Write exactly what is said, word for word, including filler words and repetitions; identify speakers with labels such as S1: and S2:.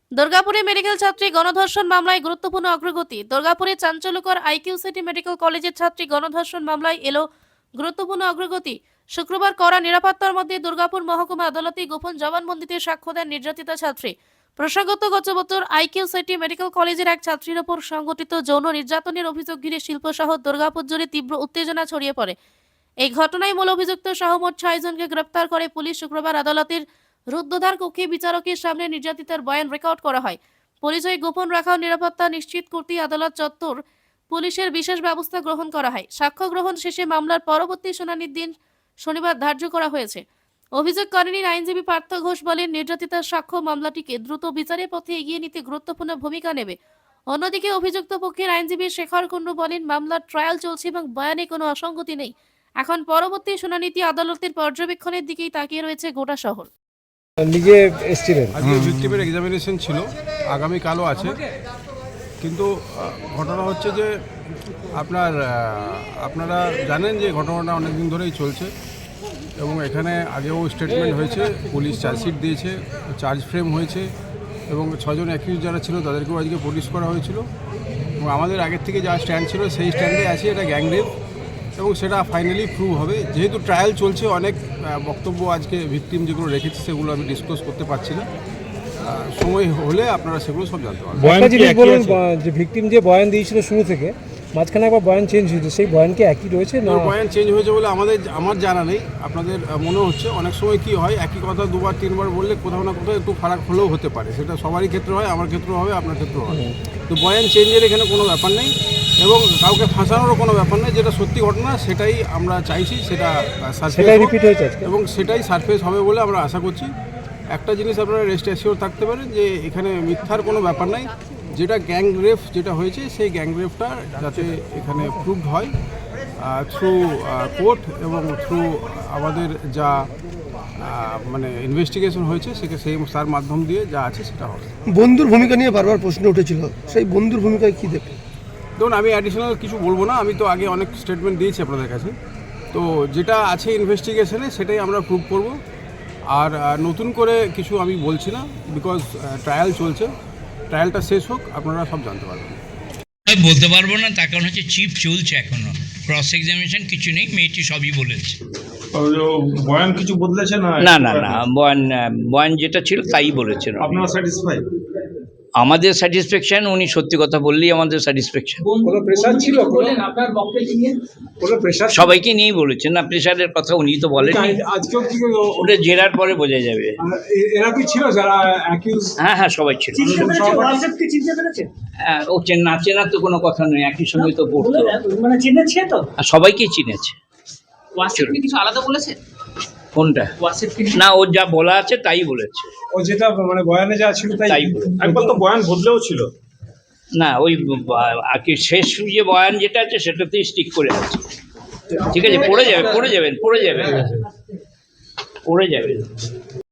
S1: দুর্গাপুরে মেডিকেল ছাত্রী গণধর্ষণ মামলায় গুরুত্বপূর্ণ অগ্রগতি। দুর্গাপুরে চাঞ্চল্যকর আইকিউ সিটি মেডিকেল কলেজের ছাত্রী গণধর্ষণ মামলায় এলো গুরুত্বপূর্ণ অগ্রগতি। শুক্রবার কড়া নিরাপত্তার মধ্যে দুর্গাপুর মহকুমা আদালতে গোপন জবানবন্দিতে সাক্ষ্য দেন নির্যাতিতা ছাত্রী। প্রসঙ্গত, গত বছর আইকিউ সিটি মেডিকেল কলেজের এক ছাত্রীর ওপর সংঘটিত যৌন নির্যাতনের অভিযোগ ঘিরে শিল্প শহর দুর্গাপুর জুড়ে তীব্র উত্তেজনা ছড়িয়ে পড়ে। এই ঘটনায় মূল অভিযুক্ত সহ মোট ছয়জনকে গ্রেপ্তার করে পুলিশ। শুক্রবার আদালতের রুদ্ধদ্বার কক্ষে বিচারকের সামনে নির্যাতিতার বয়ান রেকর্ড করা হয়। পরিচয় গোপন রাখা ও নিরাপত্তা নিশ্চিত করতে আদালত চত্বর পুলিশের বিশেষ ব্যবস্থা গ্রহণ করা হয়। সাক্ষ্য গ্রহণ শেষে মামলার পরবর্তী শুনানির দিন শনিবার ধার্য করা হয়েছে। অভিযোগকারিনীর আইনজীবী পার্থ ঘোষ বলেন, নির্যাতিতার সাক্ষ্য মামলাটিকে দ্রুত বিচারের পথে এগিয়ে নিতে গুরুত্বপূর্ণ ভূমিকা নেবে। অন্যদিকে অভিযুক্ত পক্ষের আইনজীবী শেখর কুন্ডু বলেন, মামলার ট্রায়াল চলছে এবং বয়ানে কোনো অসঙ্গতি নেই। এখন পরবর্তী শুনানিতে আদালতের পর্যবেক্ষণের দিকেই তাকিয়ে রয়েছে গোটা শহর।
S2: নিজে এসেছিলেন,
S3: আজকে ভিক্টিমের এক্সামিনেশন ছিল, আগামীকালও আছে। কিন্তু ঘটনা হচ্ছে যে আপনার আপনারা জানেন যে ঘটনাটা অনেক দিন ধরেই চলছে এবং এখানে আগেও স্টেটমেন্ট হয়েছে, পুলিশ চার্জশিট দিয়েছে, চার্জ ফ্রেম হয়েছে এবং ছজন অ্যাকিউজ যারা ছিল তাদেরকেও আজকে পুলিশ করা হয়েছিল এবং আমাদের আগের থেকে যা স্ট্যান্ড ছিল সেই স্ট্যান্ডে আছে, এটা গ্যাংরেপ এবং সেটা ফাইনালি প্রুভ হবে। যেহেতু ট্রায়াল চলছে, অনেক বক্তব্য আজকে ভিকটিম যেগুলো রেখেছে সেগুলো আমি ডিসকাস করতে পারছি না, সময় হলে আপনারা সেগুলো সব জানতে পারবেন।
S2: একটা জিনিস বলুন, যে ভিকটিম যে বয়ান দিয়েছিল শুরু থেকে, মাঝখানে একবার বয়ান চেঞ্জ হয়েছে, সেই বয়ান কি একই রয়েছে না?
S3: বয়ান চেঞ্জ হয়েছে বলে আমাদের আমার জানা নেই, আপনাদের মনে হচ্ছে। অনেক সময় কি হয়, একই কথা দুবার তিনবার বললে কোথাও না কোথাও একটু ফারাক হলেও হতে পারে, সেটা সবারই ক্ষেত্রে হয়, আমার ক্ষেত্রেও হবে, আপনার ক্ষেত্রেও হয়। তো বয়ান চেঞ্জের এখানে কোনো ব্যাপার নেই এবং কাউকে ফাঁসানোরও কোনো ব্যাপার নেই। যেটা সত্যি ঘটনা সেটাই আমরা চাইছি, সেটা
S2: সেটাই রিপিট হয়েছে
S3: এবং সেটাই সারফেস হবে বলে আমরা আশা করছি। একটা জিনিস আপনারা রেস্ট অ্যাসিওর থাকতে পারেন যে এখানে মিথ্যার কোনো ব্যাপার নাই। যেটা গ্যাং রেপ যেটা হয়েছে সেই গ্যাং রেপটা যাতে এখানে প্রুভড হয় থ্রু কোর্ট এবং থ্রু আমাদের যা মানে ইনভেস্টিগেশন হয়েছে সেটা সেই তার মাধ্যম দিয়ে যা আছে সেটা হবে।
S4: বন্ধুর ভূমিকা নিয়ে বারবার প্রশ্ন উঠেছিল, সেই বন্ধুর ভূমিকায় কী দেখে?
S3: ধরুন, আমি অ্যাডিশনাল কিছু বলবো না, আমি তো আগে অনেক স্টেটমেন্ট দিয়েছি আপনাদের কাছে। তো যেটা আছে ইনভেস্টিগেশনে সেটাই আমরা প্রুভ করব, আর নতুন করে কিছু আমি বলছি না, বিকজ ট্রায়াল চলছে। ট্রায়ালটা শেষ হোক, আপনারা সব জানতে পারবেন।
S5: বলতে পারবো না, তার কারণ হচ্ছে চিফ চলছে এখনো, ক্রস এক্সামিনেশন কিছু নেই, মেয়েটি সবই বলেছে।
S6: বয়ান কিছু বদলেছে না?
S5: না না না বয়ান বয়ান যেটা ছিল তাই বলেছেন।
S6: আপনারা স্যাটিসফাই?
S5: আমাদের স্যাটিসফ্যাকশন, উনি সত্যি কথা বললেই আমাদের স্যাটিসফ্যাকশন।
S2: কোনো প্রেসার ছিল আপনার বক্তব্য নিয়ে? কোনো প্রেসার?
S5: সবাইকে নিয়েই বলেছেন না, প্রেশারের কথা উনি তো বলেন।
S6: আজকেও কি
S5: ওটা জেরার পরে বোঝা যাবে।
S6: এরা কি ছিল যারা অ্যাকিউজ?
S5: হ্যাঁ হ্যাঁ সবাই ছিল। হ্যাঁ, ও না চেনার তো কোনো কথা নয়, একই সঙ্গে তো পড়তো,
S7: মানে চিনেছে তো,
S5: আর সবাইকেই চিনেছে।
S7: ওয়াসিফ কি কিছু আলাদা বলেছে?
S5: কোনটা?
S7: ওয়াসিফ কি
S5: না, ও যা বলা আছে তাই বলেছে।
S6: ও যেটা মানে বয়ানে যা ছিল তাই
S5: তাই
S6: একবার তো বয়ান বদলেও ছিল
S5: না, ওই আর কি শেষ যে বয়ান যেটা আছে সেটাতেই স্টিক করে আছে। ঠিক আছে, পড়ে যাবে পড়ে যাবেন পড়ে যাবেন পড়ে যাবেন